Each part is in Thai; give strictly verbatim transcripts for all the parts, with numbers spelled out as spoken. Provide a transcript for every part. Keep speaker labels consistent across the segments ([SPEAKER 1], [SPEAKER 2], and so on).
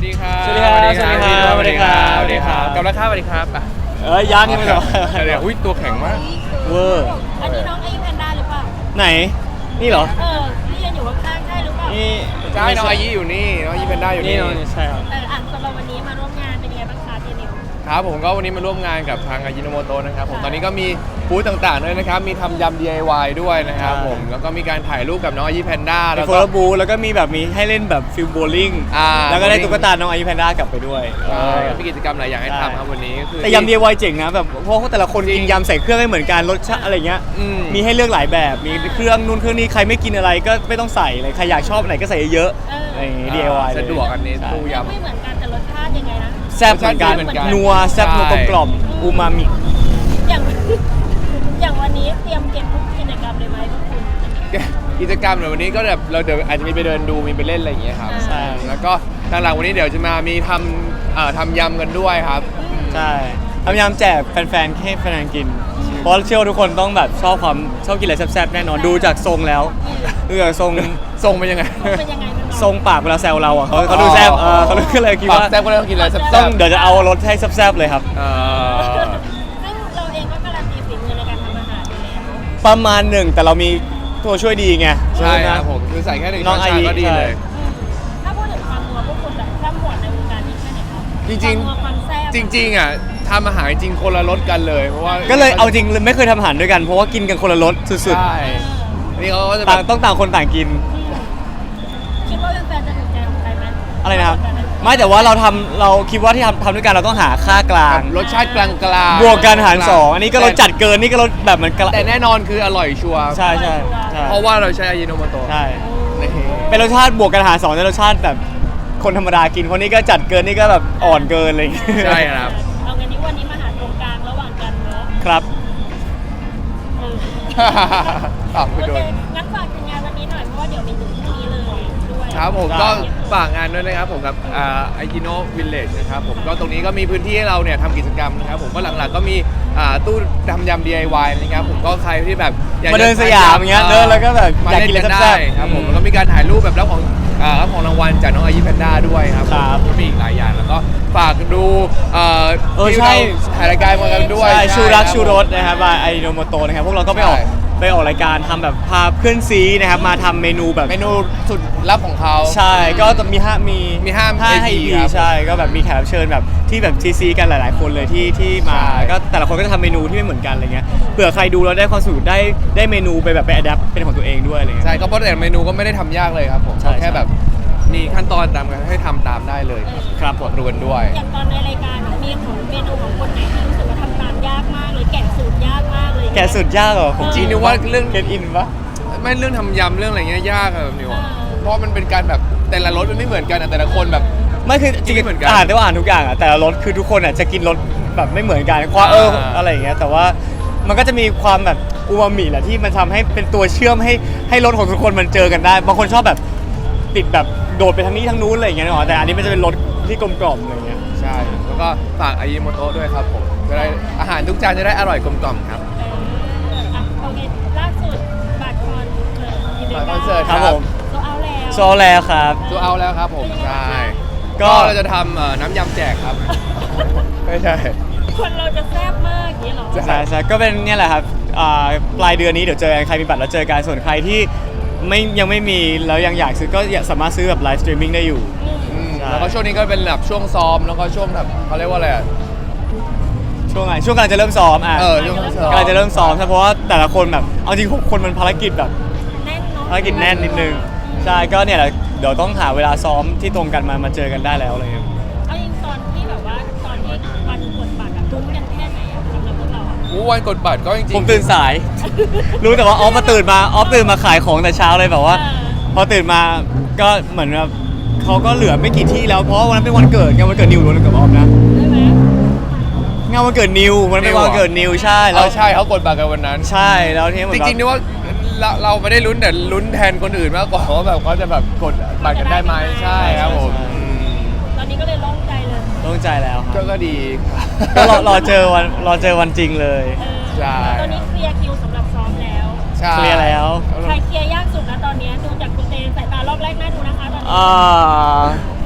[SPEAKER 1] ดีครับ
[SPEAKER 2] สวัสดีครับสวัสดีครับ
[SPEAKER 1] สวัสดีครับ
[SPEAKER 2] สวัสดีครับ
[SPEAKER 1] กำลังข้าวสวัสดีครับอ่ะ
[SPEAKER 2] เอ้ยยังไม่หรอ
[SPEAKER 1] เดี๋ยวอุ้ยตัวแข็งมาก
[SPEAKER 2] เวอร์
[SPEAKER 3] อันนี้น้องไอ้แพนด้าหรือเปล่า
[SPEAKER 2] ไหนนี่เหรอ
[SPEAKER 3] เออที่ยืนอยู่ข้างๆใช่หรือเปล่า
[SPEAKER 2] นี่
[SPEAKER 1] ใช่น้องอายี่อยู่นี่น้องอายี่เป็นได้อยู่
[SPEAKER 2] นี่
[SPEAKER 1] นี่
[SPEAKER 2] น้องใช่ครับ
[SPEAKER 3] เอออ่ะสำหรับวันนี้มาร่วมงานเป็นยังไงบ้างคะเจนิว
[SPEAKER 1] ครับผมก็วันนี้มาร่วมงานกับทางอายิโนโมโตะนะครับผมตอนนี้ก็มีบูธต่างๆด้วยนะครับมีทำยำ ดี ไอ วาย ด้วยนะครับผมแล้วก็มีการถ่ายรูปกับน้องอายี่แพนด้า
[SPEAKER 2] แล้
[SPEAKER 1] แล้ว ว
[SPEAKER 2] โฟ
[SPEAKER 1] ก็
[SPEAKER 2] ล์บูแล้วก็มีแบบมีให้เล่นแบบฟิลโบลิ่ง
[SPEAKER 1] อ่า
[SPEAKER 2] แล้วก็ได้ตุ๊กตาน้องอายุแพนด้ากลับไปด้วย
[SPEAKER 1] ใช่มีกิจกรรมหลายอย่างให้
[SPEAKER 2] ใช่
[SPEAKER 1] ทำครับวันนี้ก็คือ
[SPEAKER 2] แต่ยำ ดี ไอ วาย เจ๋งนะแบบเพราะว่าแต่ละคนกินยำใส่เครื่องไม่เหมือนกันรสชาติอะไรเงี้ย
[SPEAKER 1] อืม
[SPEAKER 2] มีให้เลือกหลายแบบมีเครื่องนู่นเครื่องนี้ใครไม่กินอะไรก็ไม่ต้องใส่เลยใครอยากชอบไหนก็ใส่เยอะๆอะไรอย่างงี้ ดี ไอ วาย
[SPEAKER 1] สะดวกอันนี้
[SPEAKER 2] ใช่
[SPEAKER 1] ตู้ยำ
[SPEAKER 3] ไม่เหมือนกันแต่รสชาติยังไงนะ
[SPEAKER 2] แซ่บเหมือนกัน
[SPEAKER 1] รสชาติดีเหมือนกัน
[SPEAKER 2] นัวแซ่บนัวกลมกล่อมอูมามิ
[SPEAKER 3] อย่าง อย่างวันนี้เตรียมเก็บทุกกิจกรรมเลยไหมพวกคุณ
[SPEAKER 1] กิจกรรมเดี๋ยววันนี้ก็แบบเราเดี๋ยวอาจจะมีไปเดินดูมีไปเล่นอะไรอย่างเงี้ยครับ
[SPEAKER 2] ใช่
[SPEAKER 1] แล้วก็ทางหลังวันนี้เดี๋ยวจะมามีทำเอ่อทำยำกันด้วยครับ
[SPEAKER 2] ใช่พยายามแจกแฟนๆให้แฟนๆกิน เพราะเชื่อว่าทุกคนต้องแบบชอบความชอบกินอะไรแซ่บๆแน่นอนดูจากทรงแล้วดูจากทรง
[SPEAKER 1] ทรงเป็นยังไง
[SPEAKER 3] เป็นยังไงมัน
[SPEAKER 2] ทรงปากเวลาแซวเราอ่ะเขาเขาดูแซ่บเออเขาก็เลยคิด
[SPEAKER 1] ปาก
[SPEAKER 2] ว่า
[SPEAKER 1] แซ่บก็เลยต้องกินอะไรแซ่บๆ
[SPEAKER 2] ต้องเดี๋ยวจะเอารสให้แซ่บๆเลยครับ
[SPEAKER 1] เอ่อ
[SPEAKER 3] ซึ่งเราเองก็การันตีฝีมือในการทำอาหารอยู่แล้ว
[SPEAKER 2] ประมาณหนึ่งแต่เรามีตัวช่วยดีไง
[SPEAKER 1] ใช่ครับ
[SPEAKER 2] นะ
[SPEAKER 1] ผมคือใส่แค่หนึ่ง
[SPEAKER 2] น้
[SPEAKER 1] ช้
[SPEAKER 2] อ
[SPEAKER 1] อง น
[SPEAKER 2] ไอ
[SPEAKER 1] ชาก็ดี
[SPEAKER 2] ใช่
[SPEAKER 1] เลย
[SPEAKER 3] อืมถ้าพูดถึงความนัวพวกคุณแบบร่ำหวดในวงการนี้แค่ไหนครับ
[SPEAKER 1] จริงๆ
[SPEAKER 3] ความนัวความแซ่บ
[SPEAKER 1] จริงๆอ่ะทำอาหารจริงคนละรสกันเลยเพราะว่า
[SPEAKER 2] ก็เลยเอาจริงไม่เคยทำอาหารด้วยกันเพราะว่ากินกันคนละรสสุด
[SPEAKER 1] ใช่นี่เขาก็จะ
[SPEAKER 2] ๆ
[SPEAKER 1] แบ
[SPEAKER 2] ต่าง
[SPEAKER 1] บ
[SPEAKER 2] ต้องต่างคนต่างกิน
[SPEAKER 3] คิดว่าแฟนๆจะถูกใจของใครไหม
[SPEAKER 2] อะไรนะครับไม่แต่ว่าเราทำเราคิดว่าที่ทำทำด้วยกันเราต้องหาค่ากลาง
[SPEAKER 1] รสชาติกลางๆ
[SPEAKER 2] บวกกันหารสองอันนี้ก็รสจัดเกินนี่ก็รสแบบเหมือนกะ
[SPEAKER 1] แต่แน่นอนคืออร่อยชัวร์
[SPEAKER 2] ใช่ใช่ใช่
[SPEAKER 1] เพราะว่าเราใช้อายิโนโมโตะ
[SPEAKER 2] ใช่
[SPEAKER 1] นี่
[SPEAKER 2] เป็นรสชาติบวกกันหารสองในรสชาติแบบคนธรรมดากินคนนี้ก็จัดเกินนี่ก็แบบอ่อนเกินอะไรอย่างเงี้ย
[SPEAKER 1] ใช่ครับ
[SPEAKER 3] เอางั้นนี้วันนี้มาหาตรงกลางระหว่างกันเนอะ
[SPEAKER 2] ครับ
[SPEAKER 3] เออ
[SPEAKER 1] ตอบ
[SPEAKER 3] โอ
[SPEAKER 1] ไปโด
[SPEAKER 3] เคน งั้นฝากถึงงานวันนี้หน่อยเพราะว่าเดี๋ยวมีถึงพรุ่งนี้เลยด้วย
[SPEAKER 1] ครับผม
[SPEAKER 2] ได้
[SPEAKER 1] ก็ฝากงานด้วยนะครับผมกับไอจิโนวิลเลจนะครับผมก็ตรงนี้ก็มีพื้นที่ให้เราเนี่ยทำกิจกรรมนะครับผมก็หลักๆก็มีอ่าตู้ทำยำ ดี ไอ วาย นะครับผมก็ใครที่แบบอยากจะ
[SPEAKER 2] มาเดินสยามอย่างเงี้ยเดินแล้วก็แบบ
[SPEAKER 1] มา
[SPEAKER 2] อยาก
[SPEAKER 1] เล่น
[SPEAKER 2] กินอะไร
[SPEAKER 1] กัน
[SPEAKER 2] แซ่
[SPEAKER 1] ได้
[SPEAKER 2] บๆ
[SPEAKER 1] ครับผมแล้วก็มีการถ่ายรูปแบบรับของอ่ารับของรางวัลจากน้องอายิแพนด้าด้วยครับ
[SPEAKER 2] ครับ
[SPEAKER 1] ก็มีอีกหลายอย่างแล้วก็ฝากดูเอ่อ
[SPEAKER 2] เออ
[SPEAKER 1] ที่
[SPEAKER 2] ใช่
[SPEAKER 1] เราถ่ายรายการมากันด้วย
[SPEAKER 2] ใช่ชูรัก
[SPEAKER 1] คบ
[SPEAKER 2] ชูรสนะครับบายไอโนโมโตนะครับพวกเราก็ไปออก
[SPEAKER 1] ใช่
[SPEAKER 2] ไปออกรายการทำแบบพาเพื่อนซีนะครับมาทำเมนูแบบ
[SPEAKER 1] เมนูสุดลับของเขา
[SPEAKER 2] ใช่ก็จะมีห้ามี
[SPEAKER 1] มีห้า
[SPEAKER 2] ห้า
[SPEAKER 1] เอ
[SPEAKER 2] ให้
[SPEAKER 1] พี
[SPEAKER 2] อี
[SPEAKER 1] ครับ
[SPEAKER 2] ใช่ก็แบบมีแขกรับเชิญแบบที่แบบซีซีกันหลาย ๆ คนเลยที่ที่มา
[SPEAKER 1] ใช่
[SPEAKER 2] ก็แต่ละคนก็จะทำเมนูที่ไม่เหมือนกันอะไรเงี้ยเผื่อใครดูแล้วได้ความสนุกได้ได้เมนูไปแบบไปอัดแอปเป็นของตัวเองด้วยอะไรเงี้ย
[SPEAKER 1] ใช่ก็เพราะแต่เมนูก็ไม่ได้ทำยากเลยครับผม
[SPEAKER 2] ใช่
[SPEAKER 1] แค่แบบมีขั้นตอนตามกันให้ทำตามได้เลยครับ
[SPEAKER 2] ครับผม
[SPEAKER 1] รวนด้วย
[SPEAKER 3] อย่างตอนในรายการมีของเมนูของคนไหนที่รู้สึกว่าทำตามยากมากเลยแกะสูตรยากมากเลย
[SPEAKER 2] แกะสุดยากเหรอผม
[SPEAKER 1] จริงนึกว่าเรื่อง
[SPEAKER 2] เก็ตอินปะ
[SPEAKER 1] ไม่เรื่องทำยำเรื่องอะไรเงี้ยยากอะแบบนิว
[SPEAKER 3] เออ
[SPEAKER 1] เพราะมันเป็นการแบบแต่ละรสมันไม่เหมือนกันอะแต่ละคนแบบ
[SPEAKER 2] ไม่คือจริง
[SPEAKER 1] ไม่เหมือนกัน
[SPEAKER 2] ๆอ่านได้ว่าอ่านทุกอย่างอ่ะแต่ละรสคือทุกคนอ่ะจะกินรสแบบไม่เหมือนกันความเออ
[SPEAKER 1] อ่า
[SPEAKER 2] อะไรอย่างเงี้ยแต่ว่ามันก็จะมีความแบบอูมามิแหละที่มันทำให้เป็นตัวเชื่อมให้ให้รสของทุกคนมันเจอกันได้บางคนชอบแบบติดแบบโดดไปทางนี้ทางนู้นอะไรอย่างเงี้ยเนาะแต่อันนี้มันจะเป็นรสที่กลมกล่อมอะไรอย่างเงี้ย
[SPEAKER 1] ใช่แล้วก็ฝากอายิโมโตะด้วยครับผมจะได้อาหารทุกจานจะได้อร่อยกลมกล่อมครับ
[SPEAKER 3] เอออ่ะโอเคล่าสุดบัตรคอนเสิร์ตอีเวนต์
[SPEAKER 1] บัตรคอนเสิร์ต
[SPEAKER 2] ครับผม
[SPEAKER 3] โซเอาแล้ว
[SPEAKER 2] โซแล้วครับ
[SPEAKER 1] ตัวเอาแล้วครับผมใช่
[SPEAKER 2] ก็
[SPEAKER 1] ก็เราจะทำเอ่อน้ำยำแจกครับ ไม่ใช่
[SPEAKER 3] คนเราจะแซ่บมากอย่างนี้เหรอ
[SPEAKER 1] ใช่
[SPEAKER 2] ใช่ใช่ก็เป็นเนี่ยแหละครับอ่าปลายเดือนนี้เดี๋ยวเจอกันใครมีบัตรแล้วเจอกันส่วนใครที่ไม่ยังไม่มีแล้วยังอยากซื้อก็สามารถซื้อแบบไลฟ์สตรีมมิ่งได้อยู่
[SPEAKER 1] อืม
[SPEAKER 2] ใช่
[SPEAKER 1] แล้วก็ช่วงนี้ก็เป็นแบบช่วงซ้อมแล้วก็ช่วงแบบเขาเรียกว่าอะไรอะ
[SPEAKER 2] ช่วงไหนช่วงกำลังจะเริ่มซ้อมอ่ะ
[SPEAKER 1] เออช่วงซ้อม
[SPEAKER 2] กำลังจะเริ่มซ้อมใช่เพราะว่าแต่ละคนแบบเอาจริงหกคนมันภารกิจแบบ
[SPEAKER 3] แน่นเนาะ
[SPEAKER 2] ภารกิจแน่นนิดนึงใช่ก็เนี่ยแหละเดี๋ยวต้องหาเวลาซ้อมที่ตรงกันมามาเจอกันได้แล้วอะไรเงี้ย
[SPEAKER 3] เอาจริงตอนที่แบบว่าตอนที่วันกดบัตรอะลุ้นกันแค่ไหนอะสำหรับพวกเราอะ
[SPEAKER 1] อู้วันกดบัตรก็จริงๆ
[SPEAKER 2] ผมตื่นสาย รู้แต่ว่าออฟมาตื่นมาออฟตื่นมาขายของแต่เช้าเลยแบบว่า พอตื่นมาก็เหมือนแบบเขาก็เหลือไม่กี่ที่แล้วเพราะวันนั้นเป็นวันเกิดไงวันเกิดนิวล้วนกับออฟนะ
[SPEAKER 3] ได้ไหม
[SPEAKER 2] งานวันเกิดนิวมันเป็นวันเกิดนิวใช่
[SPEAKER 1] เอ
[SPEAKER 2] แล้ว
[SPEAKER 1] อใช่เขากดบัตรกันวันนั้น
[SPEAKER 2] ใช่แล้วทีนี้เหมื
[SPEAKER 1] จ
[SPEAKER 2] อนแบบ
[SPEAKER 1] ริงๆนึกว่าเราเราไม่ได้ลุ้นแต่ลุ้นแทนคนอื่นมากกว่าว่าแบบเขาจะแบบกดบัตรกันได้ไหมใช่ครับผมอืม
[SPEAKER 3] ตอนนี้ก็เลยโล่งใจเลย
[SPEAKER 2] โล่งใจแล้วค
[SPEAKER 1] ก็
[SPEAKER 2] รับ
[SPEAKER 1] ก็ดีครับ
[SPEAKER 2] ก็รอรอเจอวันรอเจอวันจริงเลย
[SPEAKER 3] เออ
[SPEAKER 1] ใช่
[SPEAKER 3] ตอนนี้เคลียร์คิวสำหรับซ้อมแล้ว
[SPEAKER 1] ใช่
[SPEAKER 2] เคลียร์แล้ว
[SPEAKER 3] ใครเคลียร์ยากสุดนะตอนนี้ดูจากคุณเตนสายตารอบแรกน่าดูนะคะตอนนี้
[SPEAKER 2] อ่า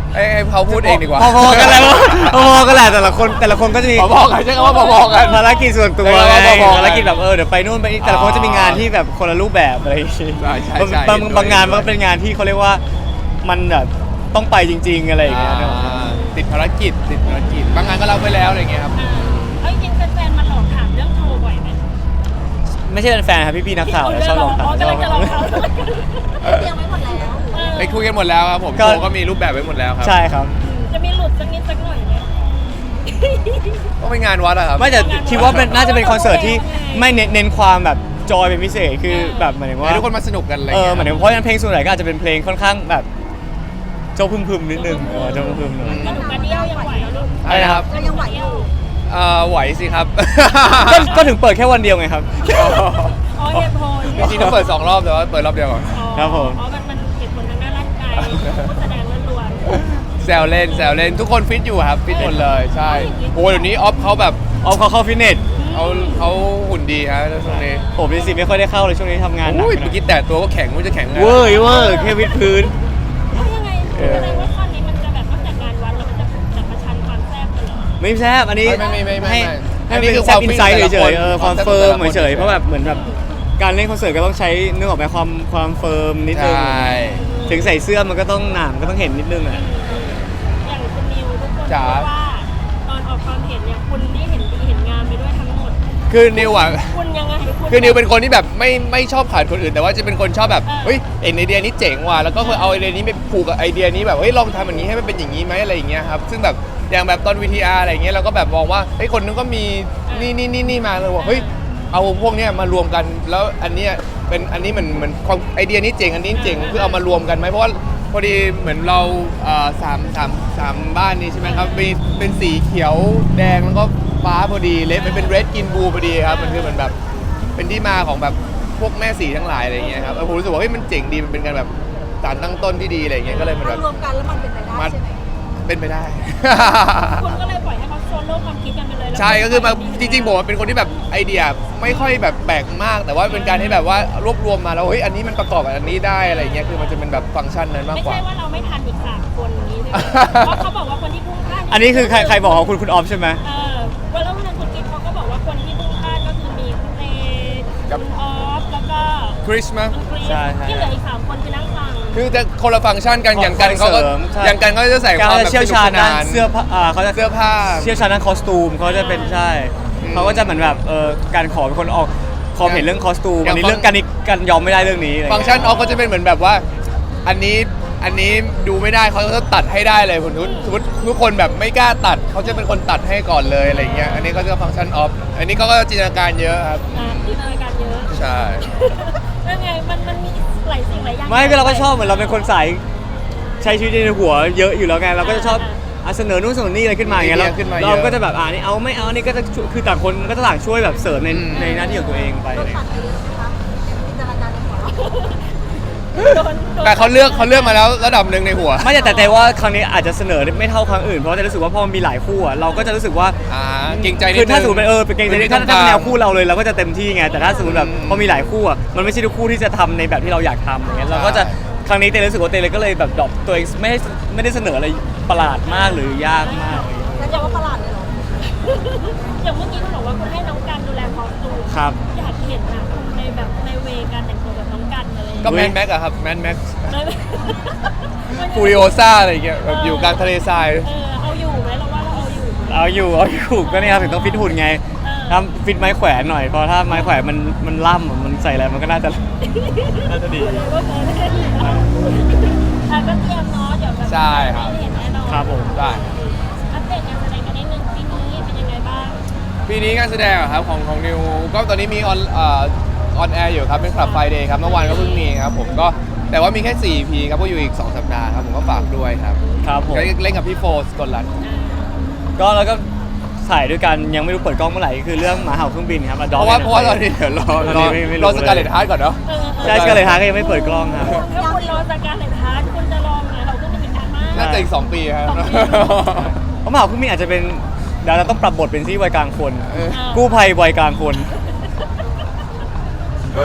[SPEAKER 1] ให้ให้เขาพูดเองดีกว่า
[SPEAKER 2] พอๆกันแหล้วพอๆกันแหละแต่ละคนแต่ละคนก็จะมี
[SPEAKER 1] พอๆกันใช่คำว่าพอๆกัน
[SPEAKER 2] ภารกิจส่วนตัว
[SPEAKER 1] ใช่
[SPEAKER 2] ไง
[SPEAKER 1] ครับพอๆกัน
[SPEAKER 2] ภารกิจแบบเออเดี๋ยวไปนู่นไปนี่แต่ละคนจะมีงานที่แบบคนละรูปแบบอะไรอย่างงี้
[SPEAKER 1] ใช่ใช่ใช่
[SPEAKER 2] บาง
[SPEAKER 1] เห็นด้วย
[SPEAKER 2] บางงานมันก็เป็นงานที่เขาเรียกว่ามันแบบต้องไปจริง ๆอะไรอย่างเงี้ยเนอะ
[SPEAKER 1] อ่าติดภารกิจติดภารกิจบางงานก็รับไปแล้วอะไรเงี้ยครับ
[SPEAKER 3] อ่าเอาจริงๆแฟนๆมาหลอกถามเรื่องโทรบ่อยไหม
[SPEAKER 2] ไม่ใช่เป็นแฟนครับพี่ๆนักข่าวนะชอบลองถาม
[SPEAKER 3] อ๋อกำลังจะลองเขา
[SPEAKER 4] เตรียมไว้หมดแล้ว
[SPEAKER 1] ไปคุยกันหมดแล้วครับผม
[SPEAKER 2] ก็
[SPEAKER 1] โชว์ก็มีรูปแบบไว้หมดแล้วครับ
[SPEAKER 2] ใช่ครับ
[SPEAKER 3] จะมีหลุดสักนิดสักหน่อยไหม
[SPEAKER 1] ก็เป็นงานวัดอะครับ
[SPEAKER 2] ไม่แต่คิดว่าเป็นน่าจะเป็นคอนเสิร์ตที่ไม่เน้นเน้นความแบบจอยเป็นพิเศษคือแบบหมายถึงว่า
[SPEAKER 1] ให้ทุกคนมาสนุกกันอะไร
[SPEAKER 2] เออ
[SPEAKER 1] เงี้ย
[SPEAKER 2] หมายถึงเพราะฉะนั้นเพลงส่วนใหญ่ก็อาจจะเป็นเพลงค่อนข้างแบบโจพึมพึมๆนิดนึงเออโจพึมพึมๆหน่อย
[SPEAKER 3] กระดูกกระเดี่ยวยังไหวแล้วลูก
[SPEAKER 1] อะไรนะครับ
[SPEAKER 4] เรายังไหวอยู่
[SPEAKER 1] เอ่อไหวสิครับ
[SPEAKER 2] ก็ก็ถึงเปิดแค่วันเดียวไงครับ
[SPEAKER 3] อ๋อเหตุผล
[SPEAKER 1] จริงๆต้องเปิดสองรอบแต่ว่าเปิดรอบเดียวก่อน
[SPEAKER 2] ครับผม
[SPEAKER 3] อ๋อมันมันเหตุผลทางด้านร่างกายผู้แสดงล้วน
[SPEAKER 1] แซวเล่นแซวเล่นทุกคนฟิตอยู่ครับฟิตหมดเลยใช่โอ้เดี๋ยวนี้ออฟเขาแบบ
[SPEAKER 2] เอาเขาเข้าฟิตเนส
[SPEAKER 1] เขาเขาหุ่นดีฮะช่วงนี้
[SPEAKER 2] ผมจริงๆไม่ค่อยได้เข้าเลยช่วงนี้ทำงานหนัก
[SPEAKER 1] อุ้ยเมื่อกี้แต่ตัวก็แข็งไม่รู้จะแข็งไง
[SPEAKER 2] เวอร์เวอร์แค่วิดพื้น
[SPEAKER 3] ๆเพราะยังไงแสดงว่าข้อนี้มันจะแบบนอกจากงานวัดแล้วมันจะจะประชันความแซ่บกันเหรอ
[SPEAKER 2] ไม่แซบอันนี้
[SPEAKER 1] ไม่ไม่ไม่ไม่
[SPEAKER 2] ให้
[SPEAKER 1] ไม่
[SPEAKER 2] ให้
[SPEAKER 1] อันนี้
[SPEAKER 2] เป็น
[SPEAKER 1] คือ
[SPEAKER 2] แซบอินไซด์
[SPEAKER 1] ความฟิต
[SPEAKER 2] เฉยๆ
[SPEAKER 1] แต่ละคน
[SPEAKER 2] เออความ
[SPEAKER 1] ความแซ่บ
[SPEAKER 2] เฟิร์ม
[SPEAKER 1] แต่ละคน
[SPEAKER 2] เฉยๆเพราะแบบเหมือนแบบการเล่นคอนเสิร์ตก็ต้องใช้นึกออกไหมความความเฟิร์มนิด
[SPEAKER 1] ใช
[SPEAKER 2] นึง่ ถึงใส่เสื้อมันก็ต้องหนามก็ต้องเห็นนิดนึงอ่ะ
[SPEAKER 3] อย่างคุณนิวทุกคน
[SPEAKER 1] จ๋า
[SPEAKER 3] พูดว่าตอนออกความเห็นเนี่ยคุณได้เห็นดีเห็นงามไปด้วยทั้งหมด
[SPEAKER 1] คือนิวอ่ะ
[SPEAKER 3] คุณยังไงณ
[SPEAKER 1] คือนิวเป็นคนที่แบบไม่ไม่ชอบขาดคนอื่น แต่ว่าจะเป็นคนชอบแบบ
[SPEAKER 3] เออ
[SPEAKER 1] เฮ้ยเอ็นไอเดียนี้เจ๋งว่ะแล้วก็เคยเอาไอเดียนี้ไปผูกกับไอเดียนี้แบบเฮ้ยลองทำอย่างนี้ให้มันเป็นอย่างนี้ไหมอะไรอย่างเงี้ยครับซึ่งแบบอย่างแบบตอน วี ที อาร์ อะไรอย่างเงี้ยเราก็แบบมองว่าเฮ้ยคนนึงก็มีนี่นี่นี่นี่มาเลยว่าเฮ้ยเอาพวกเนี้ยมารวมกันแล้วอันเนี้ยเป็นอันนี้มันเหมือนความไอเดียนี้เจ๋งอันนี้เจ๋งคือเอามารวมกันไหมเพราะว่าพอดีเหมือนเราเอ่อสามสามสามบ้านนี้ใช่ไหมครับเป็นเป็นสีเขียวแดงแล้วก็ฟ้าพอดีเลดมันเป็นเรดกินบูพอดีครับมันคือเหมือนแบบ เป็นที่มาของแบบพวกแม่สีทั้งหลายอะไรอย่างเงี้ยครับเออผมรู้สึกว่าเฮ้ยมันเจ๋งดีมันเป็นการแบบสารตั้งต้นที่ดีอะไรอย่างเงี้ยก็เลยมันแบ
[SPEAKER 4] มัน
[SPEAKER 1] บ
[SPEAKER 4] รวมกันแล้วมันเป็นไปได้
[SPEAKER 1] มัน
[SPEAKER 4] ใช่ไหม
[SPEAKER 1] เป็นไปได้
[SPEAKER 3] คุณก็เลยปล่อยให้เขาโซโล่ความคิดกันไปเลยแล้ว
[SPEAKER 1] ใช่ก็คือมาจริงๆผมเป็นคนที่แบบไอเดียไม่ค่อยแบบแปลกมาก แต่ว่าเป็นการที่แบบว่ารวบรวมมาแล้วเฮ้ยอันนี้มันประกอบกับอันนี้ได้อะไรอย่างเงี้ยคือมันจะเป็นแบบฟังก์ชันนั้นมาก
[SPEAKER 3] ไม่
[SPEAKER 1] กว่า
[SPEAKER 3] ใช่ว่าเราไม่ทันอีกสามคนนี้ใช่ไหมเพราะเขาบอกว่าคนที่พุ่งพลาด
[SPEAKER 2] อันนี้คือใครใครบอกของคุณคุณออฟใช่ไหม
[SPEAKER 3] เออวันแล้ววันคุณกิ๊กเขาก็บอกว่าคนที่พุ่งพลาดก็คือมีคุณเอ
[SPEAKER 1] ครับ
[SPEAKER 3] คุณออฟแล้วก็
[SPEAKER 1] คริสมั้ง
[SPEAKER 3] คุณกรีน
[SPEAKER 2] ใช่ใช่
[SPEAKER 3] ที่เหลืออีกสามคนคือนั่งฟัง
[SPEAKER 1] คือจะคนละฟังก์ชันกันอย่างกันเขาก็
[SPEAKER 2] เสริมใช่
[SPEAKER 1] อย่างกันเขาจะใส่ความ
[SPEAKER 2] เขา
[SPEAKER 1] แบ
[SPEAKER 2] จะ
[SPEAKER 1] บ
[SPEAKER 2] เชี่ยว
[SPEAKER 1] สนุก
[SPEAKER 2] ชาญ
[SPEAKER 1] ส
[SPEAKER 2] ด้าน
[SPEAKER 1] นาน
[SPEAKER 2] เสื้อผ้าอ่าเขาจะ
[SPEAKER 1] เสื้อผ้า
[SPEAKER 2] เชี่ยวชาญด้านคอสตูมเขาจะเป็นใช่
[SPEAKER 1] อืม
[SPEAKER 2] เขาก็จะเหมือนแบบเออการขอเป็นคนออกความเห็นเรื่องคอสตูม
[SPEAKER 1] อย่าง
[SPEAKER 2] อันนี้
[SPEAKER 1] ฟัง
[SPEAKER 2] เรื่องการนี้การยอมไม่ได้เรื่องนี้อะไร
[SPEAKER 1] ฟังก์ชันออฟก็จะเป็นเหมือนแบบว่า อันนี้อันนี้ดูไม่ได้เขาจะตัดให้ได้เลยผมทุกสมมติทุกคนแบบไม่กล้าตัดเขาจะเป็นคนตัดให้ก่อนเลยอะไรเงี้ยอันนี้ก็จะฟังก์ชันออฟอันนี้เขาก็จินตนาการเยอะครับ
[SPEAKER 3] อ่าจินตนาการเยอะ
[SPEAKER 1] ใช่
[SPEAKER 3] ยังไงมันมันมีหลายสิ่งหลายอย่าง
[SPEAKER 2] ไม่ก็เราก็ชอบเหมือนเราเป็นคนสายใช้ชีวิตในหัวเยอะอยู่แล้วไงเราก็จะชอบอ่ะเสนอนู่นเสนอนี่อะไรขึ้นมาอย่างเงี้ย
[SPEAKER 1] มีไอ
[SPEAKER 2] เรา
[SPEAKER 1] เดียขึ้นมาเยอะ
[SPEAKER 2] เราก็จะแบบอ่านี่เอาไม่เอานี่ก็จะช่วยคือต่างคนก็จะต่างช่วยแบบเสริมใน
[SPEAKER 1] อืม
[SPEAKER 2] ในหน้าที่ของตัวเองไป
[SPEAKER 4] โด
[SPEAKER 2] อะไร
[SPEAKER 4] นตัดไปเยอะไหมคะจินตนาการในหัวเรา
[SPEAKER 3] โดนโดน
[SPEAKER 1] แต่เขาเลือกเขาเลือกมาแล้วระดับหนึ่งในหัว
[SPEAKER 2] ไม่แต่แต่แต่ว่าครั้งนี้อาจจะเสนอไม่เท่าครั้งอื่นเพราะว่าจะรู้สึกว่าพอมันมีหลายคู่อ่ะเราก็จะรู้สึกว่า
[SPEAKER 1] อ่าเกรงใจนิดนึง
[SPEAKER 2] คือถ้าสมมติเป็นเออเป็นเกรงใจ
[SPEAKER 1] พื้นที่
[SPEAKER 2] ถ้า
[SPEAKER 1] ตรง
[SPEAKER 2] ถ้าก
[SPEAKER 1] ลาง
[SPEAKER 2] เป็นแนวคู่เราเลยเราก็จะเต็มที่ไงแต่ถ้าสมมติแบบ
[SPEAKER 1] อืม
[SPEAKER 2] พอมีหลายคู่อ่ะมันไม่ใช่ทุกคู่ที่จะทำในแบบที่เราอยากทำอย่างเงี้ย
[SPEAKER 1] ใช่
[SPEAKER 2] เราก็จะครั้งนี้เต้รู้สึกว่าเต้เลยก็เลยแบบดรอปตัวเองไม่ได้ไม่ได้เสนออะไรประหลาดมากหรือยากมากอะไรเงี้ย
[SPEAKER 4] แล้วจะว่าประหลาดเลยเหรอ
[SPEAKER 3] อย่างเมื่อกี้คุณบอกว่าคุณให้น้องกันดูแลคอสตูม
[SPEAKER 2] ครับ
[SPEAKER 3] อยากเห็นนะคุณในแบบในเวการแต่งตัวแบบน้องกันอะไรอย่าง
[SPEAKER 1] ก็
[SPEAKER 3] เงี้ย
[SPEAKER 1] แมนแม็กอะครับแมนแม็ก
[SPEAKER 3] เลย
[SPEAKER 1] ฟูริโอซ่าอะไรอย่างเงี้ยแบบอยู่กลางทะเลทราย
[SPEAKER 3] เออเอาอยู่ไหมเราว่าเราเอาอยู่
[SPEAKER 2] เอาอยู่เอาอยู่ก็เนี่ยครับถึงต้องฟิตหุ่นไง
[SPEAKER 3] เออ
[SPEAKER 2] ถ้าฟิตไม้แขวนหน่อยเพราะถ้าไม้แขวนมันมันล่ำอะมันใส่อะไรมันก็น่าจะ น่าจะดี
[SPEAKER 3] เลยว่าเคยไม่ได้ดีนะอ่ะก็เตรียมเนาะเดี๋ยวแบบ
[SPEAKER 1] ใช่ครับ
[SPEAKER 3] ได้เห็นแน่นอน
[SPEAKER 2] ครับผม
[SPEAKER 1] ได้
[SPEAKER 3] อัปเดตงานแสดงกันนิดนึงปีนี้เป็นยังไงบ้าง
[SPEAKER 1] ปีนี้งานแสดงอะครับของของนิวก็ตอนนี้มีออนเออนแอร์อยู่ครับเป็นคลับไฟเดย์ครับเมื่อวานก็เพิ่งมีครับผมก็แต่ว่ามีแค่สี่ อี พีครับก็อยู่อีกสองสัปดาห์ครับผมก็ฝากด้วยครับ
[SPEAKER 2] ครับผม
[SPEAKER 1] ก็เล่นกับพี่โฟสกลรัตน์
[SPEAKER 2] ก็แล้วก็ถ่ายด้วยกันยังไม่รู้เปิดกล้องเมื่อไหร่คือเรื่องหมาเห่าเครื่องบินครับ
[SPEAKER 1] เพราะว่าเพราะว่าตอนนี้เดี๋ยวรอ
[SPEAKER 2] ตอน
[SPEAKER 1] ร
[SPEAKER 2] นี้
[SPEAKER 1] อ
[SPEAKER 2] ไม่ไม่รู้
[SPEAKER 1] รอสการเลตฮาร์ดก่อนเนาะ
[SPEAKER 3] เออ
[SPEAKER 2] ใช่ก็เลยท้าก็ยังไม่เปิดกล้องครับ
[SPEAKER 3] ถ้าคุณรอสการเลยทักคุณจะลองไหมเราก็ไม่มีการมาก
[SPEAKER 1] น่าจะอีกสองปีครับ
[SPEAKER 3] สองปี
[SPEAKER 2] เพราะหมาเห่าเครื่องบินอาจจะเป็นเดี๋ยวเราต้องปรับบทเป็นที่วัยกลางคน
[SPEAKER 1] เออ
[SPEAKER 2] กู้ภัยวัยกลางคน
[SPEAKER 3] เ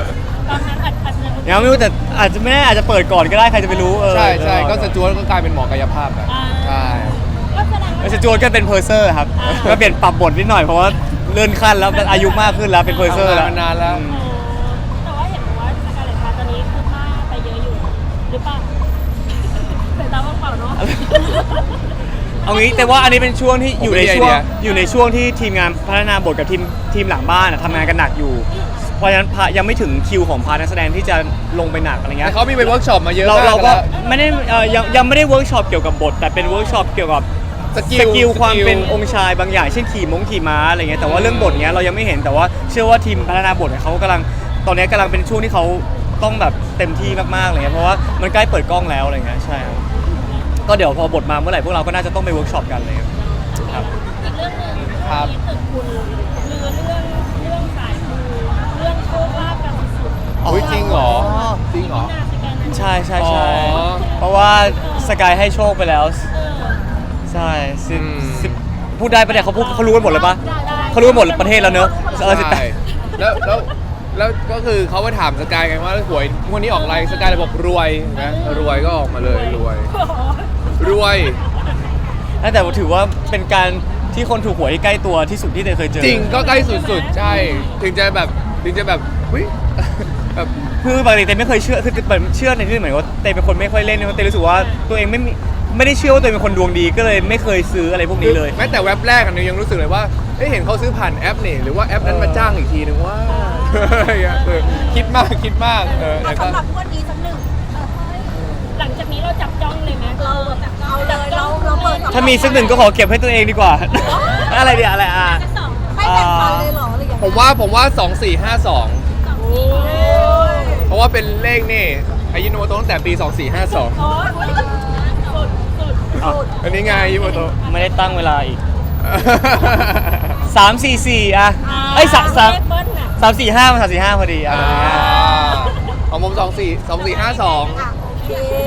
[SPEAKER 3] ตอนนั้นอาจอาจจะ
[SPEAKER 2] ยังไม่รู้แต่อาจจะไม่แน่อาจจะเปิดก่อนก็ได้ใครจะไปรู้เออ
[SPEAKER 1] ใช่ใช่
[SPEAKER 2] เดี๋ยวรอ
[SPEAKER 1] ก็สจวตก็กลายเป็นหมอกายภาพแบบ
[SPEAKER 3] อ่า
[SPEAKER 1] ใช่
[SPEAKER 3] ก็แสดง
[SPEAKER 2] แล้
[SPEAKER 3] ว่าว
[SPEAKER 2] สจวตก็เป็นเพอร์เซอร์ครับ
[SPEAKER 3] อ่า
[SPEAKER 2] ก็เปลี่ยนปรับบทนิดหน่อยเพราะว่าเลื่อนขั้นแล้วอายุมากขึ้นแล้วเป็นเพอร์เซอร์
[SPEAKER 1] ทำ
[SPEAKER 2] แล้ว
[SPEAKER 1] งานมานานแล้ว
[SPEAKER 2] อืม
[SPEAKER 3] แต่ว่าเห็นบอกว่าสกาเลตพาตอนนี้คือผ้าไปเยอะอยู่หรือเปล่าสายตาว่างเปล่าเนาะ
[SPEAKER 2] เอางี้แต่ว่าอันนี้เป็นช่วงที่อยู่ใน
[SPEAKER 1] ผมมี
[SPEAKER 2] ช่วง
[SPEAKER 1] ไอเดีย
[SPEAKER 2] อยู่ในช่วงที่ทีมงานพัฒนาบทกับทีมทีมหลังบ้านอะทำงานกันหนักอยู่ เพราะฉะนั้นพายังไม่ถึงคิวของพาร์ทนักแสดงที่จะลงไปหนักอะไรเงี้
[SPEAKER 1] แต่
[SPEAKER 2] ย
[SPEAKER 1] เขามีไปเวิร์กช็อปมาเยอะ
[SPEAKER 2] เรา
[SPEAKER 1] มาก
[SPEAKER 2] เราก็
[SPEAKER 1] แล้ว
[SPEAKER 2] ไม่ได้เอ่อยังยังไม่ได้เวิร์กช็อปเกี่ยวกับบท แต่เป็นเวิร์กช็อปเกี่ยวกับ
[SPEAKER 1] สกิ
[SPEAKER 2] ส
[SPEAKER 1] ล
[SPEAKER 2] กิลความ
[SPEAKER 1] สกิล
[SPEAKER 2] เป็นองค์ชายบางอย่างเช่นขี่มงขี่ม้าอะไรเงี้ยแต่ว่าเรื่องบทเนี้ยเรายังไม่เห็นแต่ว่าเชื่อว่าทีมพัฒนาบทเนี่ยเขากำลังตอนเนี้ยกำลังเป็นช่วงที่เขาต้องแบบเต็มที่มากๆอะไรเงี้ยเพราะว่ามันใกล้เปิดกล้องแล้วอะไรเงี้ยใช่ครับก็เดี๋ยวพอบทมาเมื่อไหร่พวกเราก็น่าจะต้องไปเวิร์กช็อปกันเลยครับ
[SPEAKER 3] อีกเรื่องหนึ่ง
[SPEAKER 1] ครับ
[SPEAKER 3] มีตึกคุณลือเรื่องเรื่องสายมูเรื่องโชคลาภกันสุดๆ
[SPEAKER 1] อุ๊ยจริงเหรอจริงเหรอ
[SPEAKER 3] น่าสแกนนั้น
[SPEAKER 2] ใช่ใช่ใช่
[SPEAKER 1] อ๋อ
[SPEAKER 2] เพราะว่าสกายให้โชคไปแล้ว
[SPEAKER 3] เออ
[SPEAKER 2] ใช่สิบ
[SPEAKER 1] อืม
[SPEAKER 2] สิบพูดได้ปะเนี่ยเขาพูดเขารู้กันหมดเลยปะ
[SPEAKER 3] ได้ได้
[SPEAKER 2] เขารู้กันหมดประเทศแล้วเนอะเออสิบแป
[SPEAKER 1] ใช่
[SPEAKER 2] ด
[SPEAKER 1] แล้วแล้วแล้วก็คือเขาไปถามสกายไงว่าหวยงวดนี้ออกอะไรสกายเลยบอกรวยนะรวยก็ออกมาเลยรวย
[SPEAKER 3] โอ้โห
[SPEAKER 1] รวย
[SPEAKER 2] แต่ถือว่าเป็นการที่คนถูกหวยที่ใกล้ตัวที่สุดที่เตยเคยเจอ
[SPEAKER 1] จริงก็ใกล้สุดๆ ใช่ ถึงจะแบบถึงจะแบบเฮ้ยแบบ
[SPEAKER 2] คือปกติเตยไม่เคยเชื่อคือเหมือนเชื่อในที่เหมือนว่าเตยเป็นคนไม่ค่อยเล่นเพราะเตยรู้สึกว่าตัวเองไม่มีไม่ได้เชื่อว่าตัวเองเป็นคนดวงดีก็เลยไม่เคยซื้ออะไรพวกนี้เลย
[SPEAKER 1] แม้แต่เว็บแรกอันนี้ยังรู้สึกเลยว่าเอ้ยเห็นเขาซื้อผ่านแอปนี่หรือว่าแอปนั้นมาจ้างอีกทีนึงว่าเออคิดมากคิดมากเออ
[SPEAKER 4] เอา
[SPEAKER 1] แต่ก็
[SPEAKER 4] สำหรับงวดนี้สักหนึ่ง
[SPEAKER 3] หลังจากนี้เราจับจ้องเลยไหม
[SPEAKER 4] เราเอาเลยเราเราเปิดสำหรับ
[SPEAKER 2] ถ้ามีสักหนึ่งก็ขอเก็บให้ตัวเองดีกว่า อะไรเดียอะไรอ่ะ
[SPEAKER 3] สอง
[SPEAKER 4] ไม่แบ่งปันเลยเหรออะไรอย่างเงี้ย
[SPEAKER 1] ผมว่าผมว่าสองสี่ห้าสอง
[SPEAKER 3] สองสี่
[SPEAKER 4] โอ้ย
[SPEAKER 1] เพราะว่าเป็นเลขนี่อายุโนโมโตะตั้งแต่ปีสองสี่ห้าสอง
[SPEAKER 3] โอ้ยสุดสุด
[SPEAKER 2] อ่ะ
[SPEAKER 1] อันนี้ไงอายุโนโมโตะ
[SPEAKER 2] ไม่ได้ตั้งเวลาอีกสามสี่สี่อ่ะไอ้ยสามสาม
[SPEAKER 3] เลขเบิ้ลน่ะ
[SPEAKER 2] สามสี่ห้ามันสามสี่ห้าพอดีอ่ะ
[SPEAKER 1] อ่าของผมสองสี่สองสี่ห้าสอง
[SPEAKER 4] อ่ะโอเค